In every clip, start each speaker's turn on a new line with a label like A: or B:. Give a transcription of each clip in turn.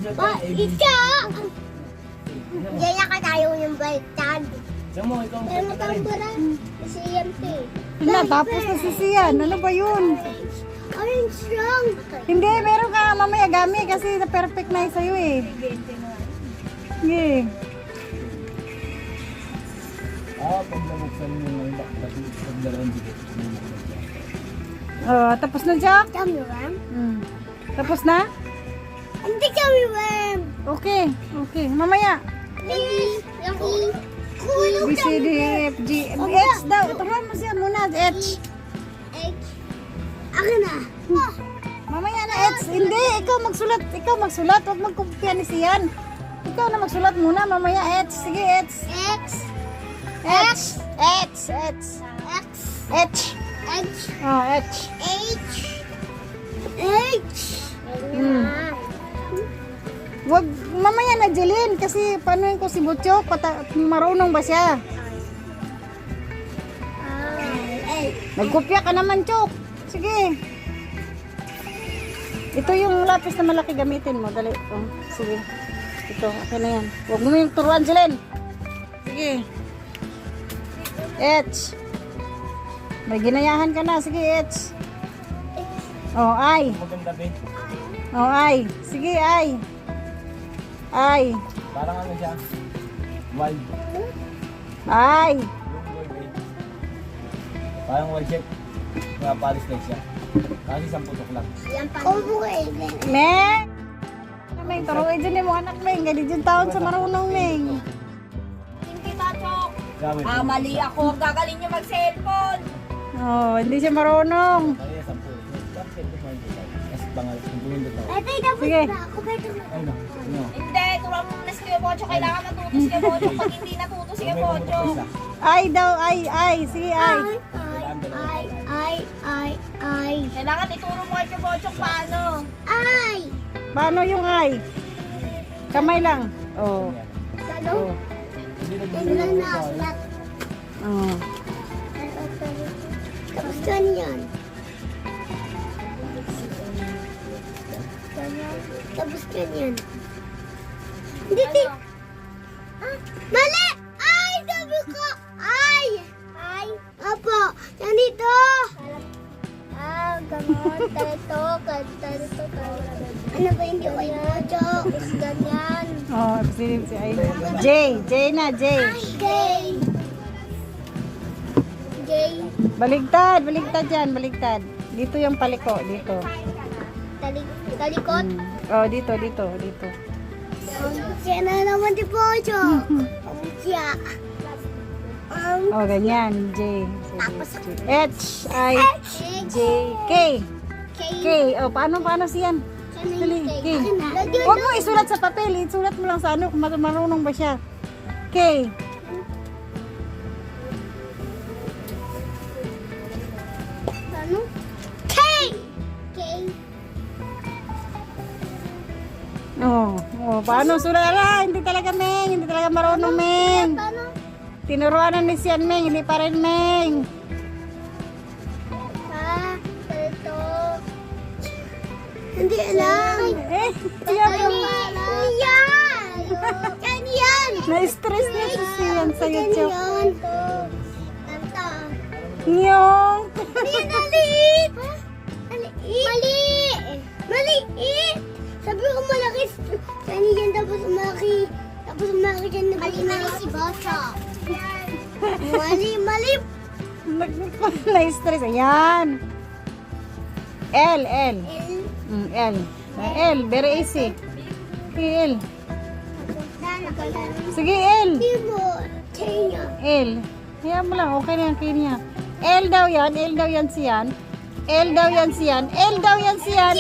A: Ika! Diyan na ka tayo yung baliktad.
B: Diyan mo, ikaw
A: Pero
B: ang rin.
A: tambaran. Si CMT.
C: Wala, tapos na si Sian. Ano ba yun?
A: Orange lang.
C: Hindi, meron ka mamaya gami kasi na-perfect na yun sa'yo eh. Sige.
B: Pag nabuksan mo yung pagdalawang dito.
C: Oh, tapos na, Jack?
A: Tummy worm?
C: Tapos na?
A: Hindi tummy worm.
C: Okay, okay. Mamaya.
A: Please. Lucky.
C: B, C, D, E, F, G, H daw. Turuan mo siya muna, H.
A: H. Ako na.
C: Mamaya na H. Hindi, ikaw magsulat. Ikaw magsulat. Huwag magkumpya ni Sian. Ikaw na magsulat muna. Mamaya H. Sige, H.
A: X.
C: H. H. H.
A: X.
C: H.
A: H.
C: Oh, H.
A: H. H.
C: Wag, mamaya na Jeline kasi paano yun ko si Butchok? Marunong ba siya? Nagkopya ka naman, Chok. Sige. Ito yung lapis na malaki gamitin mo. Dali. Oh, sige. Ito, okay na yan. Huwag mo yung turuan, Jeline. Sige. H. May ginayahan ka na. Sige, H. Oh, I.
B: Maganda, be.
C: Oh, I. Sige, I. I.
B: Parang ano siya? Wild.
C: I.
B: Yung gold, eh. Parang wild shape. Mga palis like siya. Kasi isang putok lang.
C: Meng! Meng, turuin dyan yung mga anak, Meng. Ganyan yung taon sa marunong, Meng.
D: Hindi Bachok.
B: Grabe.
D: Mali ako. Gagaling niyo mag-cellphone.
C: Oh, hindi siya marunong.
B: Kaya 10. Bakit ito mo yung Kasi pangalas. Kung bumindot ako.
A: Ito yung tapos
C: Sige.
A: na ako. Beto na.
B: Ay, no. No.
D: Hindi, turuan mo muna si Kuya Bocho. Kailangan matuto si Kuya Bocho. Pag hindi natuto si Kuya Bocho.
C: I daw, I. Sige, I.
A: I.
D: Kailangan ituro mo kay Kuya Bocho paano.
A: I.
C: Paano yung I? Kamay lang. Oh.
A: Ano? Tingnan na. Sulat.
C: Oh.
A: Tapos ganyan. Tapos ganyan. Hindi, di. Ah, mali! Ay, sabi ko! Ay! Ay! Apo, ganito! Gamon, ganito, ganito, ano ba yung gawin mo, Chok? Ganyan.
C: Oh, si I. J. J na, J.
A: J. J.
C: Baligtad, baligtad yan, baligtad. Dito yung paliko, dito.
A: Talikot.
C: Oh, dito, dito, dito.
A: Siya na naman di po, Chok. Siya.
C: Oh, ganyan, J.
A: Tapos,
C: H, I, J, K. K. Oh, paano siyan? Dali, K. Huwag mo isulat sa papel, isulat mo lang sa ano kung marunong ba siya. K.
A: Ano? K! K.
C: Oh, paano sulat? Ala, hindi talaga, Meng. Hindi talaga marunong, Meng.
A: Paano?
C: Tinuruan na ni siyan, Meng. Hindi pa rin, Meng.
A: Ito. Hindi alam.
C: Eh, yan.
A: Yan! Ganyan!
C: Na-stress na si siyan sa YouTube.
A: Ganyan. Ito.
C: Nyong.
A: Maliit! Mali! Maliit! Sabi ko malaki. Ganyan tapos malaki. Tapos malaki dyan na mali si Bosa. Mali.
C: Na-stress. Ayan. L.
A: L.
C: L. L. Very easy. Sige, L. Sige, L.
A: Hindi mo. Kenya.
C: L. Hayaan mo lang. Okay na yan. Kaya niya. L daw yan. L daw yan siyan. L daw yan siyan. L daw yan siyan.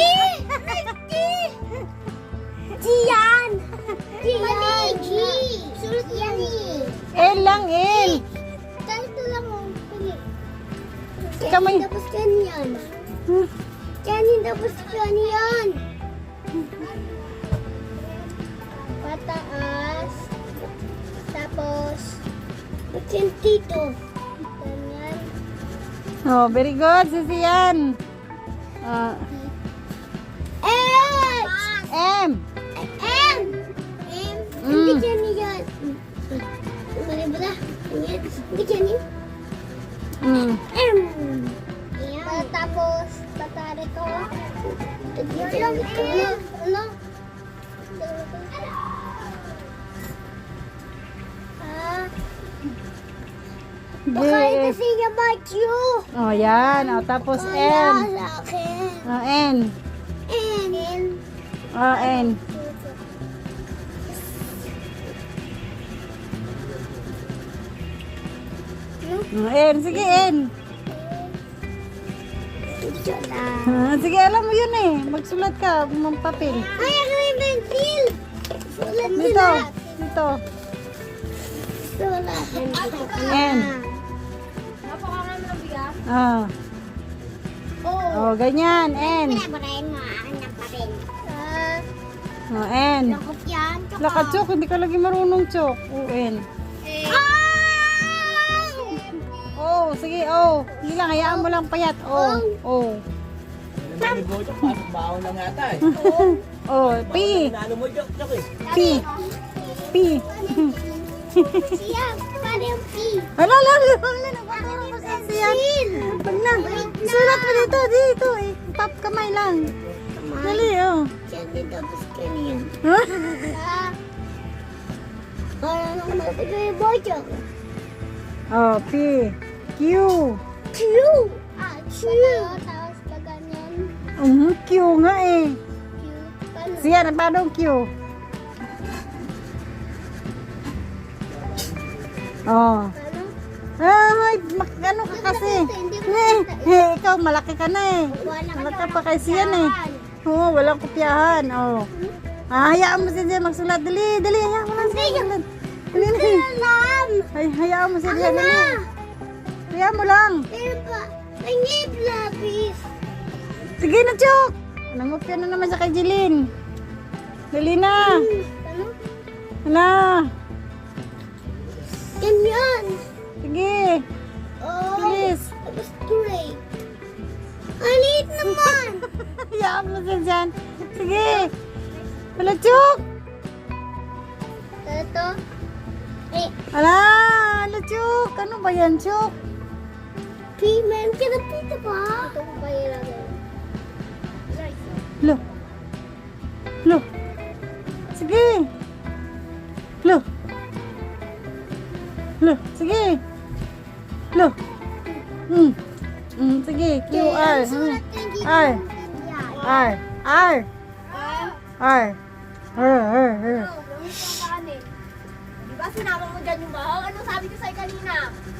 A: Gian! Gian! G! Sulit yan eh.
C: L lang, L.
A: Ganito lang oh.
C: Kamay.
A: Tapos ganyan. Ganyan tapos ganyan. Pataas. Tapos ganyan dito. Ganyan.
C: Oh, very good, si siyan.
A: H!
C: M.
A: H! Hindi dyan yan. Mali ba na? Hindi dyan yan. Ayan. Tapos, tatari ko. Dyan ito. Ano? Baka ito siya Matthew.
C: Oh, yan. Oh, tapos N.
A: Wala sa akin.
C: Oh, N.
A: N.
C: Oh, N. Oh, N. Sige, N.
A: Ito na.
C: Sige, alam mo yun eh. Magsulat ka, papel.
A: Ay, ako may pencil. Sulat
C: Dito.
A: sulat.
C: Dito.
A: Sulat.
C: N.
D: Napakarami ng bigas.
C: Oh.
A: Oh.
C: Oh, ganyan. N.
A: Pinabarayin mo anak pa rin.
C: Oh, N.
A: Lakot yan.
C: Laka, Chok. Hindi ka lagi marunong, Chok. O, N. Oh, sige, oh. Hindi lang, hayaan mo lang payat. Oh, oh.
B: Ano mo, Chok? Baon lang yata eh.
C: Oh, P.
B: Ano mo, Chok? Chok eh.
C: P. P.
A: Siya, paano yung P?
C: Hala, hala, hala. Nagpapuro ko sa siyan. Pag na. Sulat mo dito, dito. Eh. Tap kamay lang. Dali, oh.
A: Siya dito, tapos kanyan.
C: Huh?
A: Para nang matigay yung bojo.
C: Oh, P. Q.
A: Q. Q. Tapos pa ganyan.
C: Q nga eh.
A: Q. Paano?
C: Siyan, paano Q? Oh.
A: Paano?
C: Ay, ano ka kasi? Ikaw, malaki ka na eh. Malaki pa kay Siyan eh. Oo, walang kopyahan. Oh. Hayaan mo siya magsulat. Dali, dali. Hayaan mo lang siya magsulat. Dali, dali.
A: Alam.
C: Ay, hayaan mo siya. Dali. Hayaan mo lang.
A: Pero pa, pangit lapis.
C: Sige na, Chok. Nangopya na naman siya kay Jeline. Dali na.
A: Ano?
C: Hala.
A: Ganyan.
C: Sige.
A: Oh.
C: Bilis.
A: Tapos straight. Alit naman.
C: Hayaan mo siya dyan. Sige. Hala, Chok.
A: Ito. Eh,
C: Hala, hala, Chok. Ano ba yan, Chok?
A: payment ka na pita ba? Ito ko pa ilagay.
C: Lo. Lo. Sige. Lo. Lo. Sige. Lo. Sige. Q, R. R. R. R. R. R.
D: Diba sinama mo dyan yung bahaw? Ano sabi ko sa'yo kanina?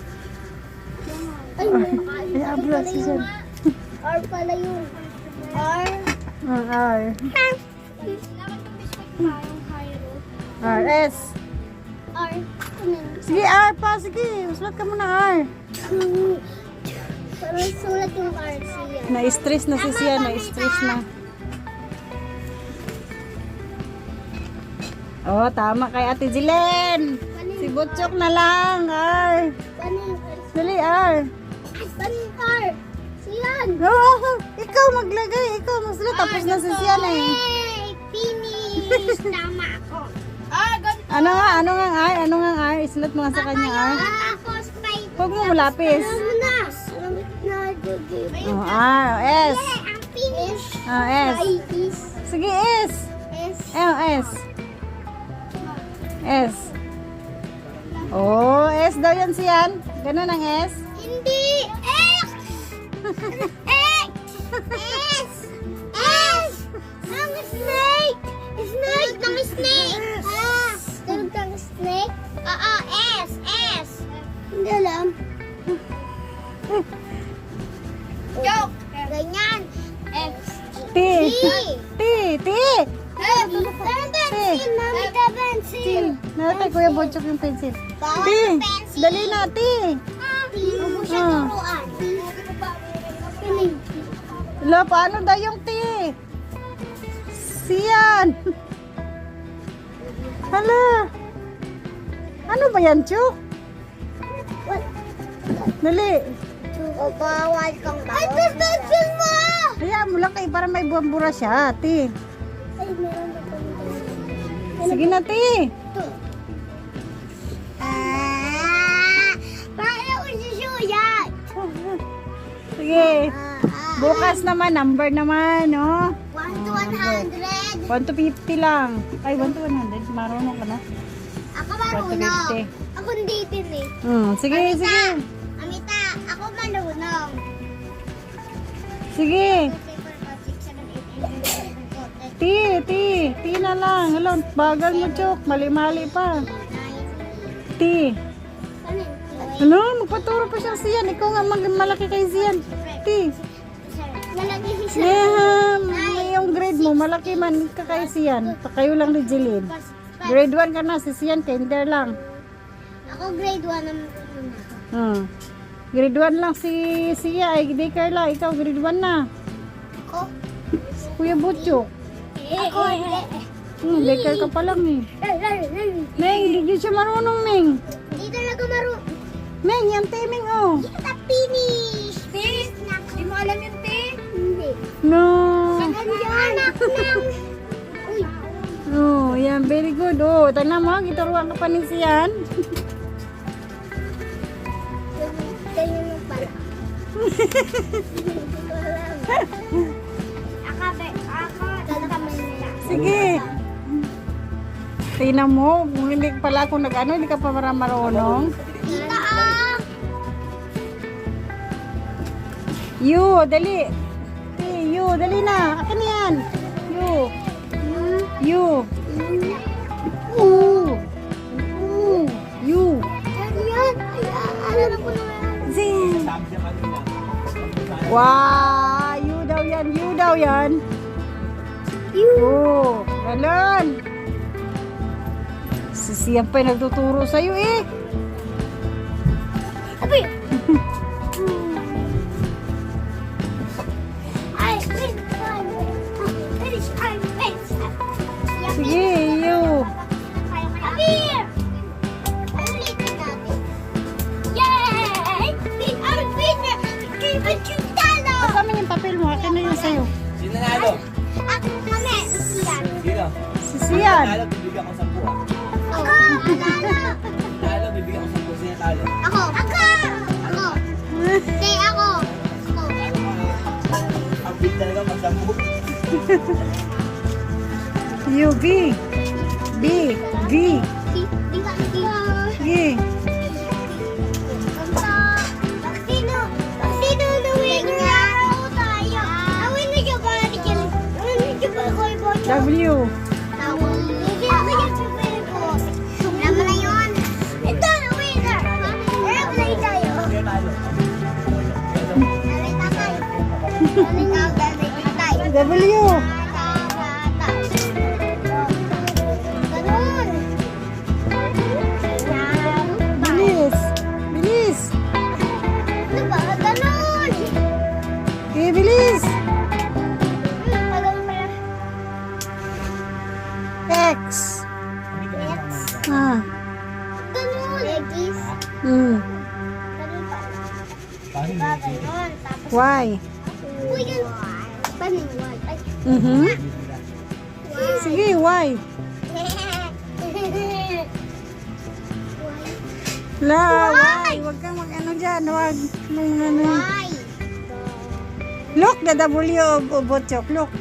A: Ay,
C: Ay, abla si Jen.
A: R pala yun. R.
C: R.
D: Dapat yung biscuit mo yung Cairo.
C: R. S.
A: R.
C: Sige, R pa. Sige. Sulat ka muna, R.
A: Parang sulat yung R siya.
C: Na-stress na si Sian. Na-stress na. Oh, tama kay Ate Jilen. Si Butchok na lang, R.
A: Paano yung R?
C: Dali, R.
A: Paano yung R? Siyan.
C: Oh, ikaw maglagay. Ikaw magsulat. Tapos na si Sian eh.
A: Hey, finish. Tama ako.
D: Ganito.
C: Ano nga R? Ano nga R? Isulat mo nga sa kanya R.
A: Tapos may...
C: Huwag mo lapis.
A: Alam mo na. Alam mo na.
C: Oh, R. S.
A: Ang finish.
C: Oh, S.
A: Ay, is.
C: Sige, S.
A: S.
C: Oh, S. S. Oh, S daw yan siyan. Ganun ang S.
A: Hindi. X. X. S. S. Ang snake. Snake ng snake. Tulog ng snake? Oo, S. S. Hindi alam.
D: Joke!
A: Ganyan. X.
C: T. T. T.
A: Pencil. Mami ka pencil.
C: Nakatay Kuya Butchok yung pencil.
A: Bawal
C: T.
A: ang pencil.
C: Dali na, T.
A: Hindi mo siya
C: Ah.
A: turuan. Piling.
C: Lo, paano daw yung T? Siyan. Hala. Ano ba yan, Chuk?
A: What?
C: Dali.
A: O bawal kang bawal. Ay, pencil mo!
C: Hayaan mo lang kayo para may buwambura siya, T.
A: Ay, meron na pang
C: Sige na, T.
A: Ito,
C: Bukas naman, number naman, no?
A: 1 to 100.
C: 1 to 50 lang. Ay, 1 to 100. Marunong ka na.
A: Ako
C: 1 to
A: marunong.
C: 50.
A: Ako hindi din eh.
C: Sige, sige.
A: Amita, ako marunong.
C: Sige. Ti na lang. Hello, bagal mo, Chok. Mali-mali pa. Ti. Ano, magpaturo pa siya siyan. Ikaw nga malaki kay siyan. Ti.
A: Malaki siya.
C: May yung grade mo, malaki man ka kay siyan. Kayo lang ni Jeline. Grade 1 ka na, si siyan, kinder lang.
A: Ako grade 1 naman na.
C: Grade 1 lang si siya, ay daycare lang. Ikaw grade 1 na.
A: Ako?
C: Kuya Butchok.
A: Ako
C: Daycare ka pa lang eh. Meng, hindi siya marunong, Meng.
A: Hindi talaga marunong.
C: Meng, yan timing oh.
A: Kita finish.
D: Te, di mo alam yung te?
A: Hindi.
C: No.
A: Anak ng... Uy.
C: Oh, yan, very good. Oh, tanda mo, gituruan ka pa ni siyan.
A: Ganyan mo pala.
C: Sige. Tingnan mo, kung hindi pala ako nag-ano, hindi ka pa marunong.
A: Kita ah.
C: You, dali. You, dali na. Akin yan. You. You. You.
A: Yan. Alam ko na.
C: Zing.
B: Sabi niya kanina.
C: Wow, you daw yan. You daw yan. You. Ganon. Siyang pa nagtuturo sa'yo eh.
A: Abi. Ay, wait. Finish. Ay, wait.
C: Sige, you.
A: Abi. Ulitin natin. Yay! Win our winner! Give it to Talo!
C: Kasama yung papel mo. Akin na yung sa'yo.
B: Sino nanalo?
A: Ako kami. Yan.
B: Sino?
C: Si Sian.
B: Nanalo, bibigyan ko 10 ah.
A: Ako.
B: Nanalo, bibigyan ko 10. Sino talo?
A: Ako. Ako. Hindi, ako. Ako.
B: Ang big talaga mag-10.
C: You, B. B. V.
A: Di ka.
C: G.
A: Sino na winner? Tayo. Awin na siya ba? Awin na siya ba?
C: W.
A: Alam na yun. Ito na winner. Airplay tayo.
B: Sino talo?
A: Dalay tatay. Dalay tatay.
C: W.
A: Ganun.
C: Bilis. Bilis.
A: Ano ba? Ganun.
C: Okay, bilis.
A: Ganun pala.
C: X. Ah.
A: Ganun. Legis.
C: Mm.
A: Ganun pala.
B: Paano
A: Diba
B: hindi?
A: ganun? Tapos,
C: Y.
A: uy, ganun. Paano yung word? Ay.
C: Mhm. Sige, Y. La, Y. Huwag kang mag-ano dyan. Huwag. Ano.
A: Why?
C: Look, the W of Botchok. Look.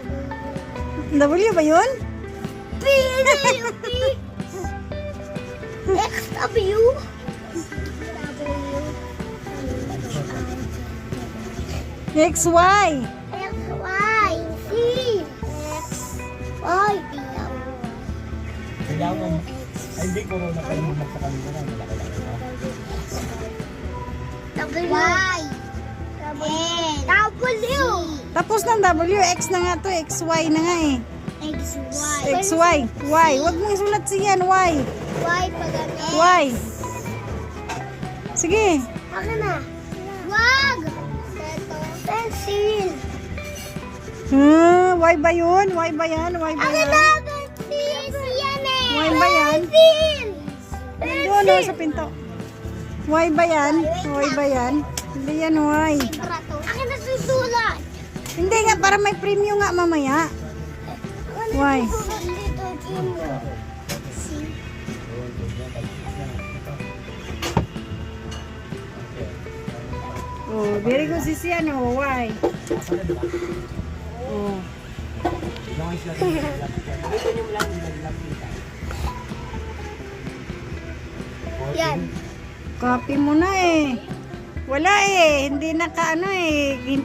C: W ba yun?
A: P. X, W.
C: X, Y.
A: X, Y, C. X, Y, P.
B: Kaya mo. Ay, hindi ko na kayo sa kanila na. Malaki-laki na.
A: W. Y. W.
C: Tapos ng W, X na nga to. X, Y na nga eh.
A: X, Y.
C: X, Y. Y. Huwag mong isulat siyan. Y.
A: Y pa ganun.
C: Y. Sige.
A: Ako na. Wag. Pencil.
C: Y ba yun? Y ba yan? Y ba
A: Ako
C: yan?
A: na, pencil. Yan eh.
C: Y ba yan?
A: Pencil.
C: Doon o, sa pinto. Y ba yan? Y ba yan? Hindi yan Y.
A: Akin na susulat.
C: Hindi nga, para may premium nga mamaya. Y.
A: Dito, Jimbo.
C: Oh, very good si Sian. Oh, why?
B: Masala, di ba?
C: Oh.
B: Ilang ayos natin. Dito nyo lang nilaglag kita.
A: Yan.
C: Copy mo na eh. Wala eh. Hindi naka ano eh.